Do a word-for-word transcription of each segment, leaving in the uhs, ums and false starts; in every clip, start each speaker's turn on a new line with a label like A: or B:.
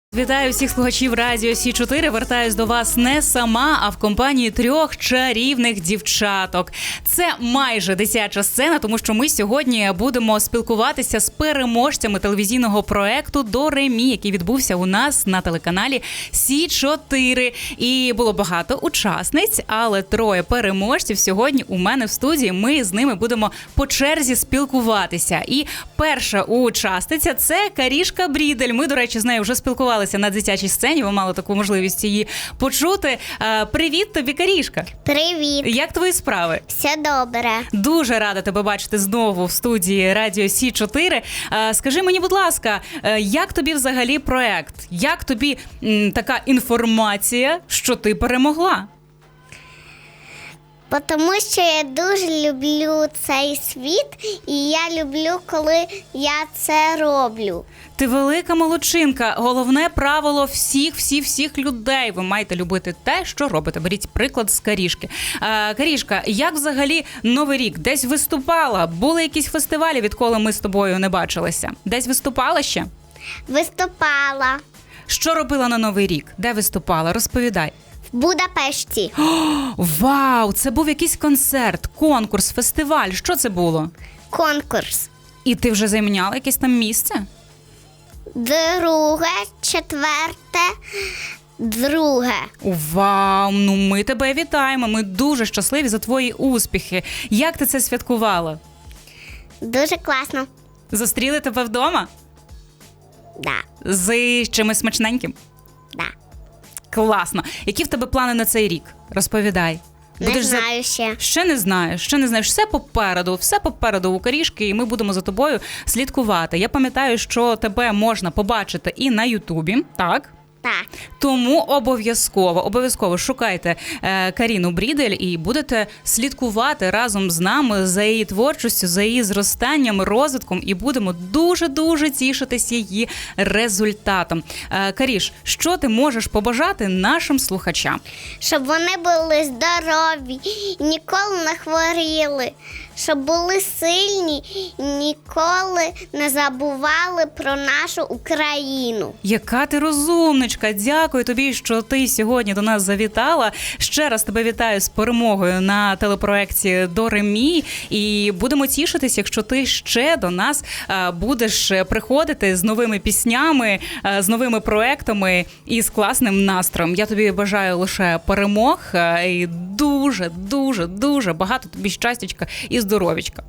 A: Вітаю всіх слухачів Радіо Сі чотири. Вертаюсь до вас не сама, а в компанії трьох чарівних дівчаток. Це майже дитяча сцена, тому що ми сьогодні будемо спілкуватися з переможцями телевізійного проекту «До ре мі», який відбувся у нас на телеканалі Сі чотири. І було багато учасниць, але троє переможців сьогодні у мене в студії. Ми з ними будемо по черзі спілкуватися. І перша учасниця – це Карішка Брідель. Ми, до речі, з нею вже спілкувалися на дитячій сцені, ви мали таку можливість її почути. Привіт тобі, Карішка.
B: Привіт.
A: Як твої справи?
B: Все добре.
A: Дуже рада тебе бачити знову в студії Радіо Сі чотири. Скажи мені, будь ласка, як тобі взагалі проект? Як тобі м, така інформація, що ти перемогла?
B: Тому що я дуже люблю цей світ, і я люблю, коли я це роблю.
A: Ти велика молодчинка. Головне правило всіх, всіх, всіх людей. Ви маєте любити те, що робите. Беріть приклад з Карішки. А, Карішка, як взагалі Новий рік? Десь виступала? Були якісь фестивалі, відколи ми з тобою не бачилися? Десь виступала ще?
B: Виступала
A: Що робила на Новий рік? Де виступала? Розповідай.
B: в Будапешті.
A: О, вау! Це був якийсь концерт, конкурс, фестиваль. Що це було?
B: Конкурс.
A: І ти вже зайняла якесь там місце?
B: Друге, четверте, друге.
A: Вау! Ну ми тебе вітаємо. Ми дуже щасливі за твої успіхи. Як ти це святкувала?
B: Дуже класно.
A: Зустріли тебе вдома?
B: Да.
A: З чимось смачненьким?
B: Да.
A: Класно. Які в тебе плани на цей рік? Розповідай.
B: Не
A: Будеш за-
B: знаю ще.
A: Ще не знаєш, ще не знаєш. Все попереду, все попереду у Карішки, і ми будемо за тобою слідкувати. Я пам'ятаю, що тебе можна побачити і на Ютубі, так?
B: Так.
A: Тому обов'язково, обов'язково шукайте е, Каріну Брідель і будете слідкувати разом з нами за її творчістю, за її зростанням, розвитком, і будемо дуже-дуже тішитись її результатом. Е, Каріш, що ти можеш побажати нашим слухачам?
B: Щоб вони були здорові, ніколи не хворіли, щоб були сильні, ніколи не забували про нашу Україну.
A: Яка ти розумничка! Дякую тобі, що ти сьогодні до нас завітала. Ще раз тебе вітаю з перемогою на телепроекті «До ре мі». І будемо тішитись, якщо ти ще до нас а, будеш приходити з новими піснями, а, з новими проектами і з класним настроєм. Я тобі бажаю лише перемог а, і дуже, дуже, дуже багато тобі щастячка і здоров'ячка.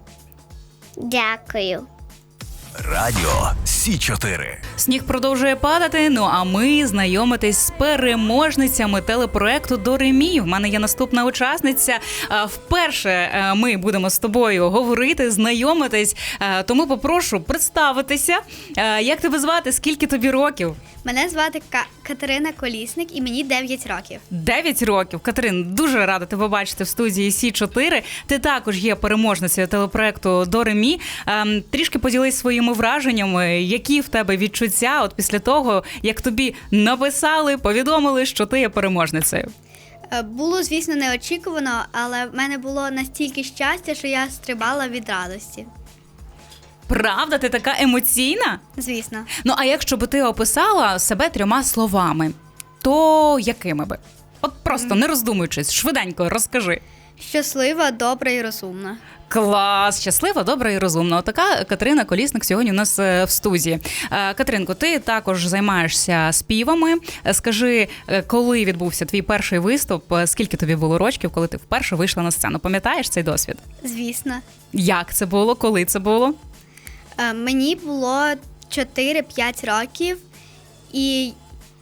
B: Дякую.
C: Радіо Сі чотири.
A: Сніг продовжує падати, ну а ми знайомитись з переможницями телепроекту «До ре мі». В мене є наступна учасниця. А, Вперше а, ми будемо з тобою говорити, знайомитись, А, тому попрошу представитися. А, Як тебе звати? Скільки тобі років?
D: Мене звати Ка- Катерина Колісник і мені дев'ять років.
A: Дев'ять років. Катерин, дуже рада тебе бачити в студії Сі чотири. Ти також є переможницею телепроекту «До ре мі». Ем, Трішки поділись своїми враженнями. Які в тебе відчуття от після того, як тобі написали, повідомили, що ти є переможницею?
D: Е, Було, звісно, неочікувано, але в мене було настільки щастя, що я стрибала від радості.
A: Правда? Ти така емоційна?
D: Звісно.
A: Ну, а якщо би ти описала себе трьома словами, то якими би? От просто, не роздумуючись, швиденько розкажи.
D: Щаслива, добра і розумна.
A: Клас! Щаслива, добра і розумна. Така Катерина Колісник сьогодні у нас е, в студії. Е, Катеринко, ти також займаєшся співами. Е, Скажи, е, коли відбувся твій перший виступ, е, скільки тобі було років, коли ти вперше вийшла на сцену? Пам'ятаєш цей досвід?
D: Звісно.
A: Як це було? Коли це було?
D: Е, Мені було чотири-п'ять років, і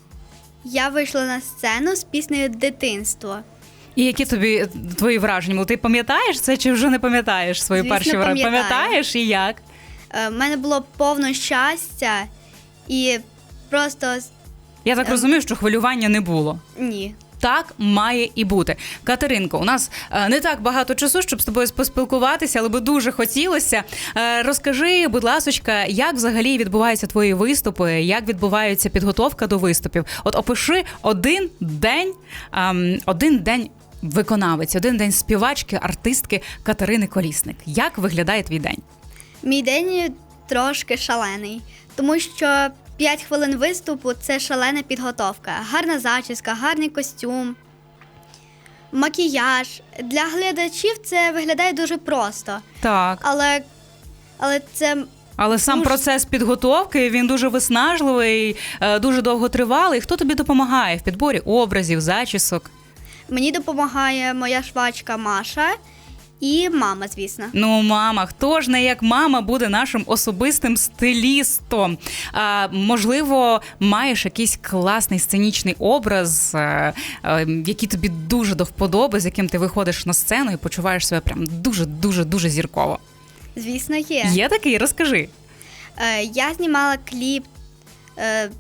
D: я вийшла на сцену з піснею «Дитинство».
A: І які тобі твої враження? Ну, ти пам'ятаєш це чи вже не пам'ятаєш свої
D: Звісно,
A: перші враження?
D: пам'ятаю.
A: Пам'ятаєш і як?
D: Е, В мене було повно щастя і просто
A: Я так
D: Ем.
A: розумію, що хвилювання не було.
D: ні.
A: Так має і бути. Катеринко, у нас е, не так багато часу, щоб з тобою поспілкуватися, але би дуже хотілося. Е, розкажи, будь ласочка, як взагалі відбуваються твої виступи, як відбувається підготовка до виступів? От опиши один день, ем, один день виконавець, один день співачки, артистки Катерини Колісник. Як виглядає твій день?
D: Мій день трошки шалений, тому що п'ять хвилин виступу – це шалена підготовка. Гарна зачіска, гарний костюм, макіяж. Для глядачів це виглядає дуже просто.
A: Так.
D: Але, але це
A: Але сам
D: Дуже-
A: процес підготовки, він дуже виснажливий, е, дуже довготривалий. Хто тобі допомагає в підборі образів, зачісок?
D: мені допомагає моя швачка Маша і мама, звісно.
A: Ну, мама, хто ж не як мама буде нашим особистим стилістом? А, можливо, маєш якийсь класний сценічний образ, е, е, який тобі дуже до вподоби, з яким ти виходиш на сцену і почуваєш себе прям дуже-дуже-дуже зірково.
D: Звісно, є.
A: Є такий? Розкажи.
D: Е, я знімала кліп е,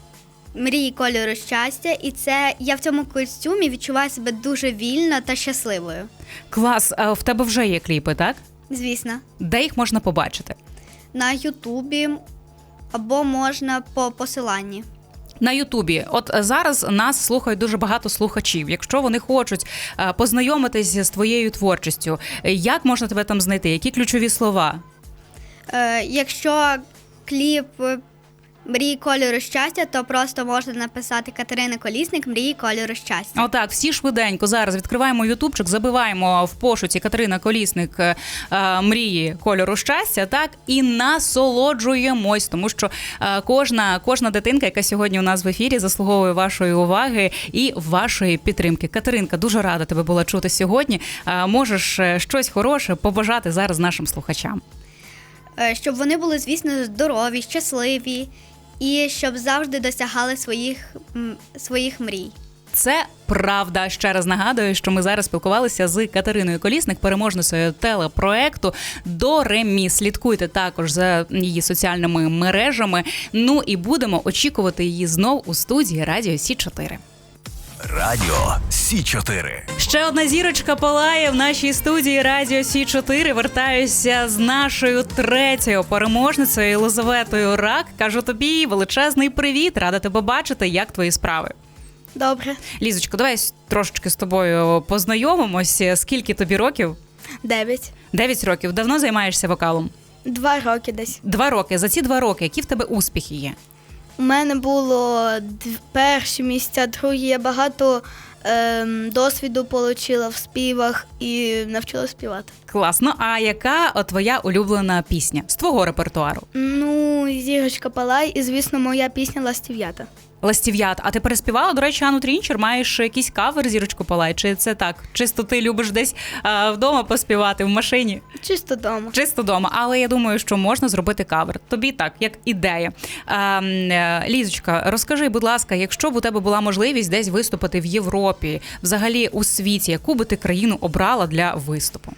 D: «Мрії кольору щастя», і це я в цьому костюмі відчуваю себе дуже вільно та щасливою.
A: Клас, а в тебе вже є кліпи, так?
D: Звісно.
A: Де їх можна побачити?
D: На Ютубі або можна по посиланні.
A: На Ютубі. От зараз нас слухають дуже багато слухачів. Якщо вони хочуть е, познайомитись з твоєю творчістю, е, як можна тебе там знайти? Які ключові слова?
D: Е, якщо кліп е, «Мрії кольору щастя», то просто можна написати Катерина Колісник «Мрії кольору щастя».
A: Отак, всі швиденько зараз відкриваємо ютубчик, забиваємо в пошуці Катерина Колісник е, е, «Мрії кольору щастя», так, і насолоджуємось, тому що е, кожна, кожна дитинка, яка сьогодні у нас в ефірі, заслуговує вашої уваги і вашої підтримки. Катеринка, дуже рада тебе була чути сьогодні. Е, можеш е, щось хороше побажати зараз нашим слухачам?
D: Е, щоб вони були, звісно, здорові, щасливі і щоб завжди досягали своїх, м, своїх мрій.
A: Це правда. Ще раз нагадую, що ми зараз спілкувалися з Катериною Колісник, переможницею телепроекту «До ре мі». Слідкуйте також за її соціальними мережами. Ну і будемо очікувати її знов у студії Радіо Сі чотири.
C: Радіо Сі чотири.
A: Ще одна зірочка палає в нашій студії Радіо Сі чотири. Вертаюся з нашою третьою переможницею Єлизаветою Рак. Кажу тобі величезний привіт, рада тебе бачити. Як твої справи?
E: Добре.
A: Лізочко, давай трошечки з тобою познайомимося. Скільки тобі років?
E: Дев'ять.
A: Дев'ять років. Давно займаєшся вокалом?
E: Два роки десь.
A: Два роки. За ці два роки які в тебе успіхи є?
E: У мене було д- перші місця, другі. Я багато ем, досвіду отримала в співах і навчилася співати.
A: Класно. А яка о, твоя улюблена пісня з твого репертуару?
E: Ну, зірочка палай і, звісно, моя пісня «Ластів'ята».
A: Ластів'ят. А ти переспівала, до речі, Анну Трінчер? Маєш якийсь кавер «Зірочку палай»? Чи це так? Чисто ти любиш десь а, вдома поспівати, в машині?
E: Чисто дома.
A: Чисто вдома. Але я думаю, що можна зробити кавер. Тобі так, як ідея. А, е, Лізочка, розкажи, будь ласка, якщо б у тебе була можливість десь виступити в Європі, взагалі у світі, яку би ти країну обрала для виступу?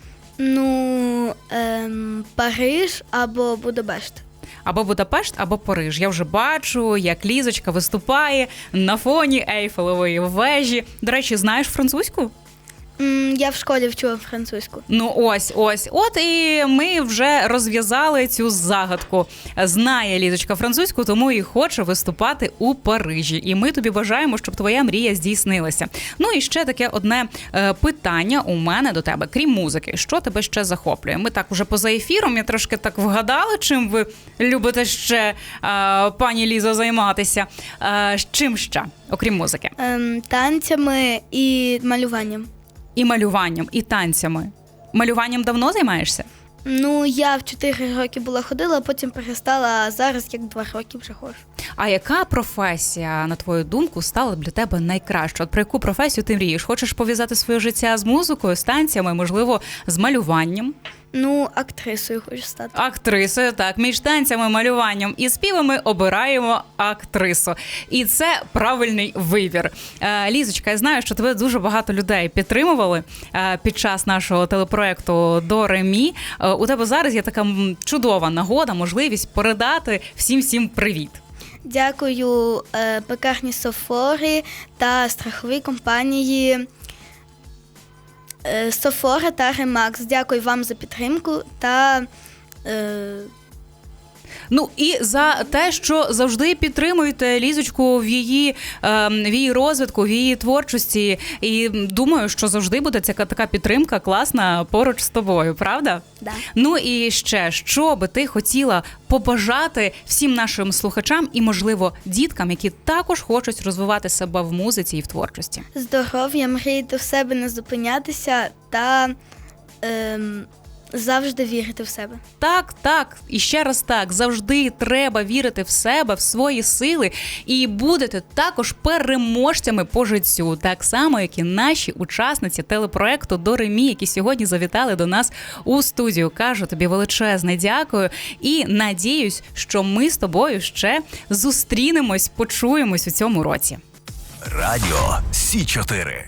E: Ну, ем, Париж або Будапешт.
A: Або Будапешт, або Париж. Я вже бачу, як Лізочка виступає на фоні Ейфелевої вежі. До речі, знаєш французьку?
E: М, Я в школі вчила французьку.
A: Ну ось, ось. От і ми вже розв'язали цю загадку. Знає Лізочка французьку, тому і хоче виступати у Парижі. І ми тобі бажаємо, щоб твоя мрія здійснилася. Ну і ще таке одне е, питання у мене до тебе. Крім музики, що тебе ще захоплює? Ми так уже поза ефіром, я трошки так вгадала, чим ви любите ще, е, пані Лізо, займатися. Е, чим ще, окрім музики?
E: Ем, танцями і малюванням.
A: І малюванням, і танцями. Малюванням давно займаєшся?
E: Ну, я в чотири роки була ходила, а потім перестала, а зараз як два роки вже ходжу.
A: А яка професія, на твою думку, стала б для тебе найкращою? От про яку професію ти мрієш? Хочеш пов'язати своє життя з музикою, з танцями, можливо, з малюванням?
E: Ну, актрисою хочу стати.
A: Актрисою, так. Між танцями, малюванням і співами обираємо актрису. І це правильний вибір. Е, Лізочка, я знаю, що тебе дуже багато людей підтримували е, під час нашого телепроекту «До ре мі». Е, у тебе зараз є така м, чудова нагода, можливість передати всім-всім привіт.
E: Дякую е, пекарні Софори та страховій компанії е, Софора та Ремакс. Дякую вам за підтримку та е,
A: Ну і за те, що завжди підтримуєте Лізочку в її, е, в її розвитку, в її творчості. І думаю, що завжди буде ця така підтримка класна поруч з тобою, правда?
D: Да.
A: Ну і ще, що би ти хотіла побажати всім нашим слухачам і, можливо, діткам, які також хочуть розвивати себе в музиці і в творчості?
E: Здоров'я, мріяти в себе, не зупинятися та ем, завжди вірити в себе.
A: Так, так, і ще раз так, завжди треба вірити в себе, в свої сили, і будете також переможцями по життю, так само, як і наші учасниці телепроекту «До ре мі», які сьогодні завітали до нас у студію. Кажу тобі величезне дякую і надіюсь, що ми з тобою ще зустрінемось, почуємось у цьому році.
C: Радіо Сі чотири.